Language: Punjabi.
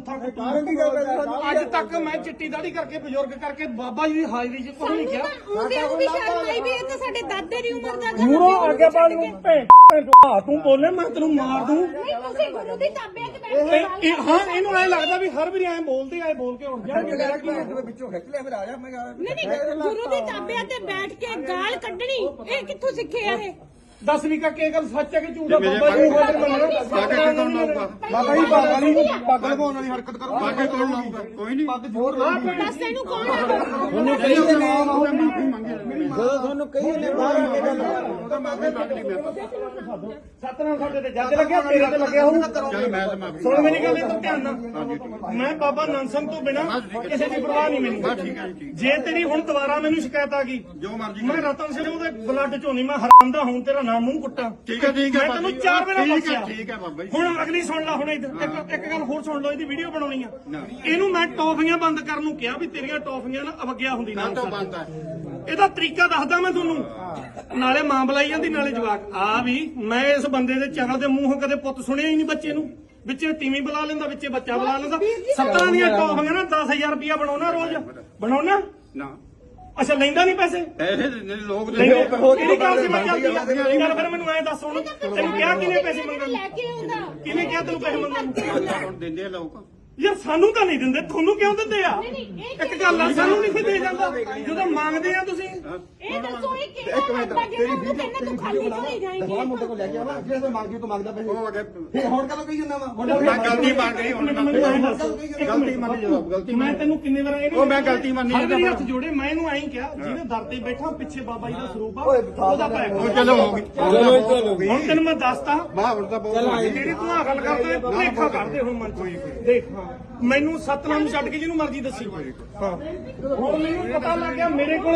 ਬੂਥਾ ਅੱਜ ਤੱਕ ਮੈਂ ਚਿੱਟੀ ਦਾੜੀ ਕਰਕੇ ਬਜ਼ੁਰਗ ਕਰਕੇ ਬਾਬਾ ਜੀ ਦੀ ਹਾਜ਼ਰੀ 'ਚ ਕੁਝ ਨਹੀਂ ਕਿਹਾ। ਉਹ ਵੀ ਸ਼ਰਮ ਆਈ ਵੀ ਇਹ ਤਾਂ ਸਾਡੇ ਦਾਦੇ ਦੀ ਉਮਰ ਦਾ ਮੂਰੋਂ ਅੱਗੇ ਬਾਲ ਨੂੰ ਤੂੰ ਬੋਲੇ ਮੈਂ ਤੈਨੂੰ ਮਾਰ ਦੂੰ। ਤੁਸੀਂ ਗੁਰੂ ਦੀ ਤਾਬੇ 'ਚ ਬੈਠੇ ਹਾਂ ਇਹਨੂੰ ਐ ਲੱਗਦਾ ਵੀ ਹਰ ਵਾਰੀ ਐ ਬੋਲਦੇ ਆਏ ਬੋਲ ਕੇ ਉੱਠ ਜਾਣਗੇ। ਮੇਰਾ ਕੀ ਵਿੱਚੋਂ ਖਿੱਚ ਲਿਆ ਫਿਰ ਆ ਜਾ ਮੈਂ ਨਹੀਂ ਗੁਰੂ ਦੀ ਤਾਬੇ ਤੇ ਬੈਠ ਕੇ ਗਾਲ ਕੱਢਣੀ ਇਹ ਕਿੱਥੋਂ ਸਿੱਖਿਆ ਇਹ? ਦੱਸ ਵੀ ਕਿ ਗੱਲ ਸੱਚ ਹੈ ਕਿ ਝੂਠ ਹੈ? ਬਾਬਾ ਜੀ ਨੂੰ ਹਾਜ਼ਰ ਮੰਨਣਾ। ਬਾਬਾ ਜੀ ਬਾਬਾ ਜੀ ਪੱਗ ਲਵਾਉਣ ਵਾਲੀ ਹਰਕਤ ਕਰੋ। ਬਾਕੀ ਕੌਣ ਲਾਊਗਾ? ਕੋਈ ਨਹੀਂ। ਪੱਗ ਜ਼ੋਰ ਲਾਉਂਦੀ ਦੱਸ ਇਹਨੂੰ ਕੌਣ ਆ? ਤੁਹਾਨੂੰ ਕਹੀ ਨੇ ਮਾਫੀ ਮੰਗੇ ਜਦੋਂ ਤੁਹਾਨੂੰ ਕਹੀ ਨੇ ਬਾਹਰ ਆ ਕੇ ਗੱਲ ਉਹਦਾ ਮਾਫੀ ਮੰਗ ਲਈ ਮੈਂ ਸਤਨਾਮ ਸਾਡੇ ਤੇ ਜੱਜ ਲੱਗਿਆ ਤੇਰੇ ਤੇ ਲੱਗਿਆ ਹੋਊ। ਚੱਲ ਮੈਂ ਤਾਂ ਮਾਫੀ ਸੁਣ ਮੇਰੀ ਗੱਲ ਇੱਧਰ ਧਿਆਨ ਨਾਲ। ਮੈਂ ਬਾਬਾ ਨੰਦ ਸਿੰਘ ਤੋਂ ਬਿਨਾ ਕਿਸੇ ਦੀ ਪਰਵਾਹ ਨਹੀਂ ਮੈਨੂੰ। ਠੀਕ ਹੈ ਜੀ। ਜੇ ਤੇਰੀ ਹੁਣ ਦੁਬਾਰਾ ਮੈਨੂੰ ਸ਼ਿਕਾਇਤ ਆ ਗਈ ਜੋ ਮਰਜ਼ੀ ਮੈਂ ਰਤਨ ਸਿੰਘ ਉਹਦੇ ਬਲੱਡ ਚੋਂ ਨਹੀਂ ਮੈਂ ਹਰਾਮ ਦਾ ਹੁਣ ਤੇਰਾ ਨਾਮ ਮੂੰਹ ਕੁੱਟਾਂ। ਠੀਕ ਹੈ ਮੈਂ ਤੈਨੂੰ 4 ਵਾਰ ਬਖਸ਼ਿਆ। ਠੀਕ ਹੈ ਬਾਬਾ ਜੀ। ਹੁਣ ਅਗਲੀ ਸੁਣ ਲੈ। ਹੁਣ ਇੱਕ ਗੱਲ ਹੋਰ ਸੁਣ ਲਓ। ਇਹਦੀ ਵੀਡੀਓ ਬਣਾਉਣੀ ਆ। ਇਹਨੂੰ ਮੈਂ ਟੌਫੀਆਂ ਬੰਦ ਕਰਨ ਨੂੰ ਕਿਹਾ ਵੀ ਤੇਰੀਆਂ ਟੌਫੀਆਂ ਨਾ ਅਵਗਿਆ ਹੁੰਦੀ ਨਾ। ਤੋਂ ਬੰਦ ਹੈ। ਇਹਦਾ ਤਰੀਕਾ ਦੱਸਦਾ ਮੈਂ ਤੁਹਾਨੂੰ। ਨਾਲੇ ਮਾਂ ਬੁਲਾਈ ਜਾਂਦੀ ਨਾਲੇ ਜਵਾਕ ਆ ਵੀ। ਮੈਂ ਇਸ ਬੰਦੇ ਦੇ ਚਗਲ ਦੇ ਮੂੰਹੋਂ ਕਦੇ ਪੁੱਤ ਸੁਣਿਆ ਹੀ ਨਹੀਂ ਬੱਚੇ ਨੂੰ। ਵਿੱਚੇ ਤੀਵੀਂ ਬੁਲਾ ਲੈਂਦਾ ਵਿੱਚੇ ਬੱਚਾ ਬੁਲਾ ਲੈਂਦਾ। 17 ਦੀਆਂ ਟੌਫੀਆਂ ਨਾ 10,000 ਰੁਪਇਆ ਬਣਾਉਣਾ ਰੋਜ਼ ਬਣਾਉਣਾ। ਨਾ ਅੱਛਾ ਲੈਂਦਾ ਨਹੀਂ ਪੈਸੇ ਪੈਸੇ ਲੋਕ ਕਿਹੜੀ ਗੱਲ ਸੀ ਮੈਂ ਚੱਲਦੀ ਆ। ਚੱਲ ਫਿਰ ਮੈਨੂੰ ਐਂ ਦੱਸ ਹੁਣ ਤੈਨੂੰ ਕਿਹਾ ਕਿਹਨੇ ਪੈਸੇ ਮੰਗਣ ਲੈ ਕੇ ਆਉਂਦਾ ਕਿਹਨੇ ਕਿਹਾ ਤੈਨੂੰ ਪੈਸੇ ਮੰਗਣ ਨੂੰ? ਹੁਣ ਦਿੰਦੇ ਆ ਲੋਕ। ਯਾਰ ਸਾਨੂੰ ਤਾਂ ਨਹੀਂ ਦਿੰਦੇ ਤੁਹਾਨੂੰ ਕਿਉਂ ਦਿੰਦੇ ਆ? ਇੱਕ ਗੱਲ ਆ ਸਾਨੂੰ ਨਹੀਂ ਦੇ ਜਾਂਦਾ ਜਦੋਂ ਮੰਗਦੇ ਆ ਤੁਸੀਂ। ਇਹ ਦੱਸੋ ਇਹ ਕਿਹੜਾ ਬੰਦਾ ਜਿਹੜਾ ਉਹਨੂੰ ਕਹਿੰਦਾ ਤੂੰ ਖਾਲੀ ਚਲੀ ਜਾਏਂਗੀ। ਬਾਹਰ ਮੁੰਡੇ ਕੋਲ ਲੈ ਕੇ ਆਵਾ ਜਿਹੜੇ ਮੰਗਦੀ ਤੂੰ ਮੰਗਦਾ ਪੈਸੇ ਉਹ ਅਗੇ ਫਿਰ ਹੁਣ ਕਦੋਂ ਕਹੀ ਜਾਂਦਾ ਵਾ ਮੈਂ ਗਲਤੀ ਮੰਨ ਗਈ ਹੁਣ ਗਲਤੀ ਮੰਨੀ ਜਵਾਬ ਗਲਤੀ ਮੈਂ ਤੈਨੂੰ ਕਿੰਨੇ ਵਾਰ ਉਹ ਮੈਂ ਗਲਤੀ ਮੰਨੀ ਹਰ ਵਾਰੀ ਹੱਥ ਜੋੜੇ ਮੈਂ ਇਹਨੂੰ ਐਂ ਕਿਹਾ ਜਿਹਦੇ ਦਰ ਤੇ ਬੈਠਾ ਪਿੱਛੇ ਬਾਬਾ ਜੀ ਦਾ ਸਰੂਪ ਆ ਉਹਦਾ ਪੈ ਉਹ ਚਲੋ ਹੋ ਗਈ। ਹੁਣ ਤੈਨੂੰ ਮੈਂ ਦੱਸਤਾ ਬਾਹਰ ਹੁਣ ਤਾਂ ਬਹੁਤ ਜਿਹੜੀ ਤੂੰ ਆ ਗੱਲ ਕਰਦਾ ਭੁਲੇਖਾ ਕਰਦੇ ਹੁਣ ਮਨ ਚ ਦੇਖ। ਮੈਨੂੰ ਸਤਨਾਮ ਛੱਡ ਕੇ ਜਿਹਨੂੰ ਮਰਜ਼ੀ ਦੱਸੀ। ਹਾਂ ਹੁਣ ਮੈਨੂੰ ਪਤਾ ਲੱਗ ਗਿਆ ਮੇਰੇ ਕੋਲ